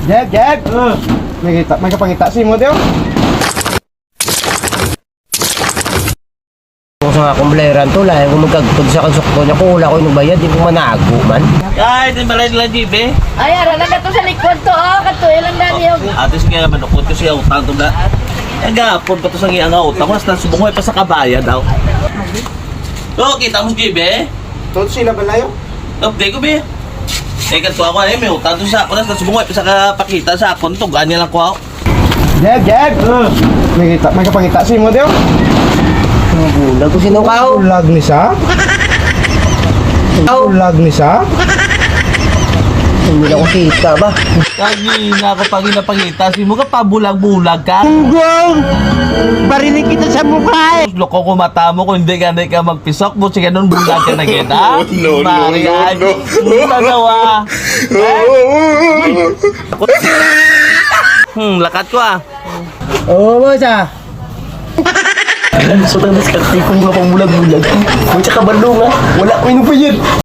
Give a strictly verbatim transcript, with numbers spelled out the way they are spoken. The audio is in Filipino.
Jag, Jag! Uh. May, kita, may kapangita si mo, Teo. Kung sa akong baleran to, lahat kung magkagpag sa kansukto niya, kung wala ko yung bayad, di ko manago man. Kahit yung balay nila, G B. Ay, ara lang to sa likod to, oh. Kato, ilang dami yung... Atis kaya naman ako, ito siya utang to na. Nagapon pa to sa ngiyang utang ko, nasa subungoy pa sa kabaya daw. So, kita mo si G B? Todo sila balayo? Update ko, B. Eh, kanto ako, eh, may utang to sa ako, nasa subungoy pa sa kapakita sa akon to, ganyan lang ko ako. Jag, Jag! Uh. May, kita, may kapangita si mo, Teo. Ang bulag ko sinukaw. Bulag ni sa? Bulag ni sa? Hindi na ko kita ba? Kagi na ako pag inapangita, si mo ka pabulag-bulag ka. Ugong! Barinig kita sa mukha eh! Loko ko mata mo kung hindi ka na ka magpisok mo, sige nun bulag ka na kita. No, no, no, no. Nanawa. Hmm, lakat ko ah. Oo, boss ah. So, tang diskarte ko nga pang bulag-bulag. Kung tsaka balong ha, wala ko inubayad.